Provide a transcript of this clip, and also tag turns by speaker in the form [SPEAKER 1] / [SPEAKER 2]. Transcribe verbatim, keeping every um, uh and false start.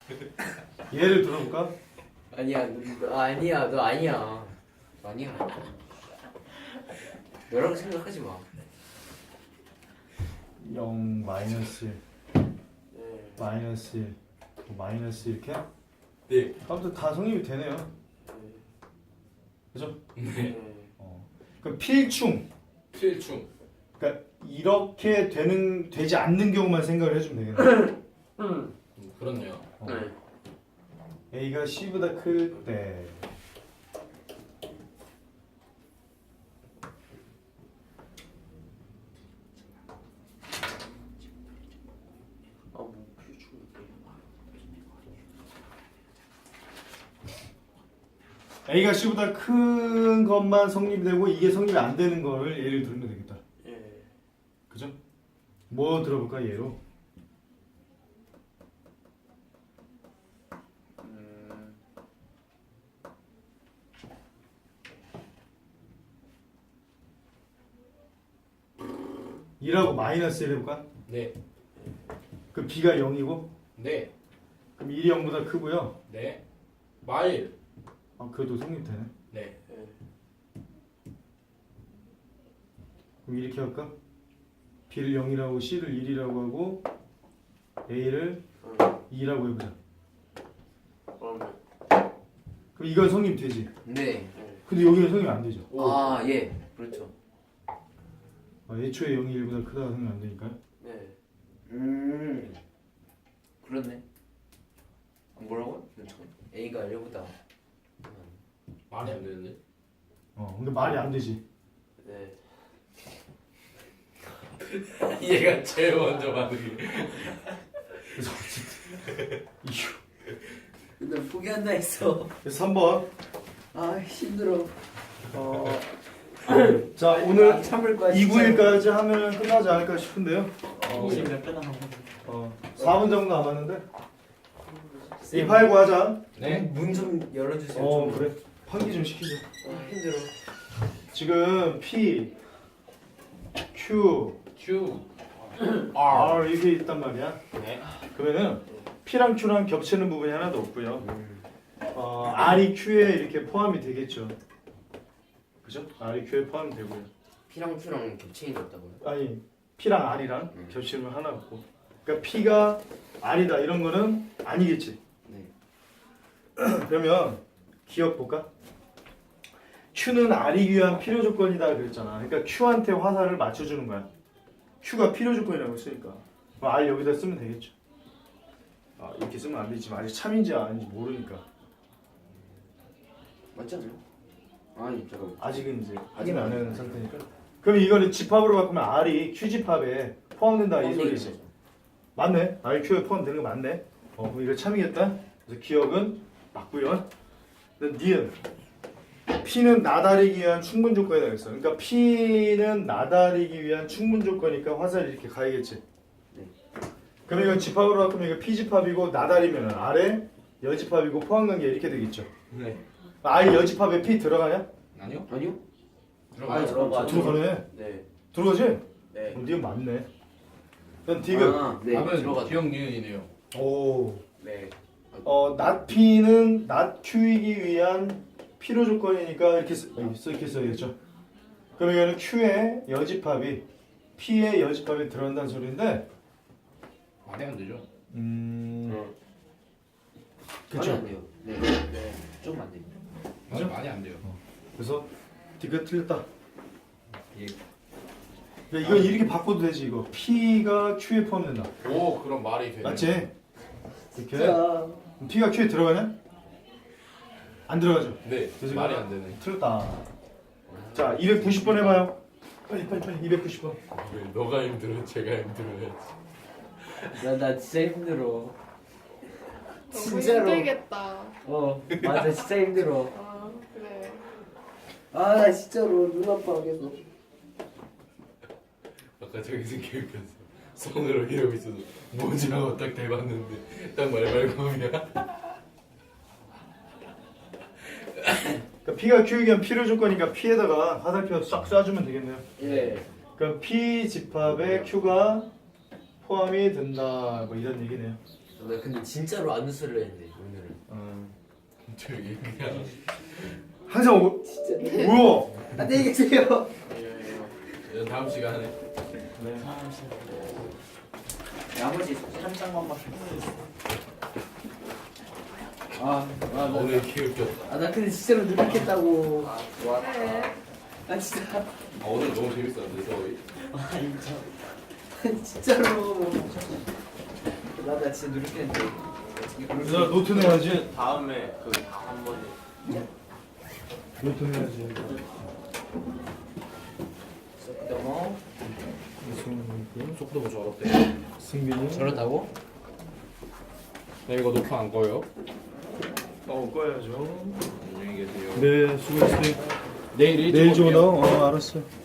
[SPEAKER 1] 예를 들어볼까?
[SPEAKER 2] 아니야, 너, 너 아니야, 너 아니야. 너 아니야. 너라고 생각하지 마.
[SPEAKER 1] 영 마이너스 일
[SPEAKER 2] 네.
[SPEAKER 1] 마이너스 일 뭐 마이너스 이렇게?
[SPEAKER 3] 네.
[SPEAKER 1] 아무튼 다 성립이 되네요.
[SPEAKER 2] 네.
[SPEAKER 1] 그죠?
[SPEAKER 3] 네.
[SPEAKER 2] 네.
[SPEAKER 1] 어. 그럼 필충.
[SPEAKER 3] 필충.
[SPEAKER 1] 그러니까 이렇게 되는 되지 않는 경우만 생각을 해주면 되겠네.
[SPEAKER 2] 음.
[SPEAKER 3] 음, 그렇네요.
[SPEAKER 1] 어.
[SPEAKER 2] 네.
[SPEAKER 1] A가 C보다 클 때.
[SPEAKER 2] 아, 뭐 필충.
[SPEAKER 1] A가 C보다 큰 것만 성립되고 이게 성립이 안 되는 거를 예를 들면 되겠다.
[SPEAKER 2] 예.
[SPEAKER 1] 그죠? 뭐 들어볼까 예로?
[SPEAKER 2] 음.
[SPEAKER 1] 이라고 마이너스 일 해볼까?
[SPEAKER 3] 네.
[SPEAKER 1] 그럼 B가 영이고
[SPEAKER 3] 네.
[SPEAKER 1] 그럼 일이 영보다 크고요.
[SPEAKER 3] 네. 마일.
[SPEAKER 1] 아 그래도 성립되네.
[SPEAKER 3] 네.
[SPEAKER 2] 예.
[SPEAKER 1] 그럼 이렇게 할까? B를 영이라고 C를 일이라고 하고 A를
[SPEAKER 2] 음.
[SPEAKER 1] 이라고 해보자.
[SPEAKER 2] 그러면.
[SPEAKER 1] 그럼 이건 성립되지.
[SPEAKER 2] 네.
[SPEAKER 1] 근데 여기는 성립 안 되죠.
[SPEAKER 3] 오.
[SPEAKER 2] 아, 예. 그렇죠.
[SPEAKER 1] 아, 애초에 영이 일보다 크다가 성립 안 되니까요.
[SPEAKER 2] 네. 음. 그렇네. 뭐라고? 잠깐. A가 L보다.
[SPEAKER 3] 말이 안 되는데.
[SPEAKER 1] 어, 근데 말이 안 되지.
[SPEAKER 2] 네.
[SPEAKER 3] 얘가 제일 먼저 반응이.
[SPEAKER 1] 그래서 어쨌든 이유.
[SPEAKER 2] 근데 포기한다 했어.
[SPEAKER 1] 그래서 삼 번.
[SPEAKER 2] 아, 힘들어.
[SPEAKER 1] 어, 자 오늘
[SPEAKER 2] 참을 거야.
[SPEAKER 1] 이, 구 일까지 하면 끝나지 않을까 싶은데요.
[SPEAKER 2] 어, 몇 배나 한 번.
[SPEAKER 1] 어, 사 분 정도 남았는데 이 팔구 하자.
[SPEAKER 3] 네.
[SPEAKER 2] 문좀 열어주세요.
[SPEAKER 1] 어
[SPEAKER 2] 좀.
[SPEAKER 1] 그래. 환기 좀 시키자.
[SPEAKER 2] 아, 힘들어.
[SPEAKER 1] 지금 P, Q,
[SPEAKER 3] Q. R.
[SPEAKER 1] R 이게 있단 말이야.
[SPEAKER 3] 네.
[SPEAKER 1] 그러면은 P랑 Q랑 겹치는 부분이 하나도 없고요. 어, R이 Q에 이렇게 포함이 되겠죠. 그죠? R이 Q에 포함이 되고요.
[SPEAKER 2] P랑 Q랑 겹쳐 있었다고요?
[SPEAKER 1] 아니 P랑 R이랑
[SPEAKER 2] 음.
[SPEAKER 1] 겹치는 건 하나 없고. 그러니까 P가 R이다 이런 거는 아니겠지.
[SPEAKER 2] 네.
[SPEAKER 1] 그러면 기억 볼까? Q는 R이기 위한 필요 조건이다 그랬잖아. 그러니까 Q한테 화살을 맞춰주는 거야. Q가 필요 조건이라고 했으니까. 그럼 R 여기다 쓰면 되겠죠. 아, 이렇게 쓰면 안 되지. 아직 참인지 아닌지 모르니까.
[SPEAKER 2] 맞지 않나요? 아니, 잠깐.
[SPEAKER 1] 아직은 이제 확인 안 하는 상태니까. 그럼 이거는 집합으로 바꾸면 R이 Q 집합에 포함된다 이 소리지. 맞네. R Q에 포함되는 거 맞네. 어, 그럼 이거 참이겠다. 그래서 기억은 맞고요. 니은 P는 나다리기 위한 충분 조건이라고 했어. 그러니까 P는 나다리기 위한 충분 조건이니까 화살이 이렇게 가야겠지.
[SPEAKER 2] 네.
[SPEAKER 1] 그럼 이거 집합으로 바꾸면 이거 P 집합이고 나다리면 아래 여집합이고 포함관계 이렇게 되겠죠.
[SPEAKER 3] 네.
[SPEAKER 1] I 여집합에 P 들어가냐?
[SPEAKER 3] 아니요.
[SPEAKER 2] 아니요?
[SPEAKER 3] 들어가요.
[SPEAKER 2] 들어가.
[SPEAKER 1] 들어가네.
[SPEAKER 2] 네.
[SPEAKER 1] 들어가지?
[SPEAKER 2] 네.
[SPEAKER 1] 어, 니은 맞네. 그럼 디귿.
[SPEAKER 2] 아, 네.
[SPEAKER 3] 답은
[SPEAKER 2] 들어가.
[SPEAKER 3] 기억 니은이네요.
[SPEAKER 1] 오.
[SPEAKER 2] 네.
[SPEAKER 1] 어, not P는 not Q이기 위한 필요 조건이니까 이렇게 쓰, 여기 써 이렇게 써야겠죠. 그럼 이거는 Q의 여집합이 P의 여집합에 들어간다는 소리인데,
[SPEAKER 3] 말이 안 되죠.
[SPEAKER 1] 음,
[SPEAKER 2] 말이
[SPEAKER 1] 그렇죠.
[SPEAKER 2] 안 돼요. 네. 네. 좀 안 됩니다.
[SPEAKER 3] 말이 많이 안 돼요.
[SPEAKER 1] 그래서 디귿 틀렸다.
[SPEAKER 3] 예.
[SPEAKER 1] 그러니까 이건 이렇게 바꿔도 되지 이거. P가 Q에 포함된다.
[SPEAKER 3] 오, 그럼 말이 되네.
[SPEAKER 1] 맞지? 이렇게.
[SPEAKER 2] 자.
[SPEAKER 1] 그럼 P가 Q에 들어가냐? 안 들어가죠.
[SPEAKER 3] 네.
[SPEAKER 1] 그래서
[SPEAKER 3] 말이
[SPEAKER 1] 이거
[SPEAKER 3] 안 되네.
[SPEAKER 1] 틀렸다. 자, 이백구십 번 해봐요. 빨리 빨리 빨리. 이백구십 번.
[SPEAKER 3] 왜 너가 힘들어, 제가 힘들어야지.
[SPEAKER 2] 나, 나 진짜 힘들어.
[SPEAKER 4] 너무
[SPEAKER 2] 진짜로.
[SPEAKER 4] 힘들겠다.
[SPEAKER 2] 어, 맞아. 진짜 힘들어.
[SPEAKER 4] 아, 그래.
[SPEAKER 2] 아, 나 진짜로 눈 아파 계속.
[SPEAKER 3] 아까 저기서 기억했어. 손으로 이러고 있어서 뭐지 하고 딱 대봤는데 딱 말발굽이야.
[SPEAKER 1] 그러니까 P가 Q에 대한 필요 조건이니까 P에다가 화살표 싹 쏴주면 되겠네요.
[SPEAKER 2] 예.
[SPEAKER 1] 그럼 P 집합에 Q가 포함이 된다. 뭐 이런 얘기네요.
[SPEAKER 2] 나 근데 진짜로 안 웃으려 했는데 오늘은.
[SPEAKER 1] 어.
[SPEAKER 3] 저기 그냥
[SPEAKER 1] 항상 오,
[SPEAKER 2] 진짜.
[SPEAKER 1] 뭐야?
[SPEAKER 2] 안녕히 계세요.
[SPEAKER 3] 다음 시간에
[SPEAKER 1] 네.
[SPEAKER 2] 나머지 한 장만 밖에 아, 아, 나,
[SPEAKER 3] 오늘 기울겼다.
[SPEAKER 2] 아, 나 근데 진짜로 노력했다고.
[SPEAKER 4] 아, 좋았다.
[SPEAKER 2] 아, 진짜.
[SPEAKER 3] 아 오늘 너무 재밌었는데 저희.
[SPEAKER 2] 아, 인정. 진짜로. 나, 나 진짜 노력했는데. 어떻게 그럴 수
[SPEAKER 1] 얘들아 노트 내야지.
[SPEAKER 5] 다음에 그 다음 번에
[SPEAKER 1] 노트 내야지.
[SPEAKER 2] 있어? 넘어.
[SPEAKER 3] 속도 뭐 저렇대.
[SPEAKER 1] 승민이.
[SPEAKER 2] 저렇다고?
[SPEAKER 3] 네 이거 녹화 안 꺼요?
[SPEAKER 1] 어 꺼야죠.
[SPEAKER 3] 안녕히 계세요.
[SPEAKER 1] 네 수고했어요.
[SPEAKER 3] 내일 일찍
[SPEAKER 1] 내일 좀
[SPEAKER 3] 올게요.
[SPEAKER 1] 어 알았어.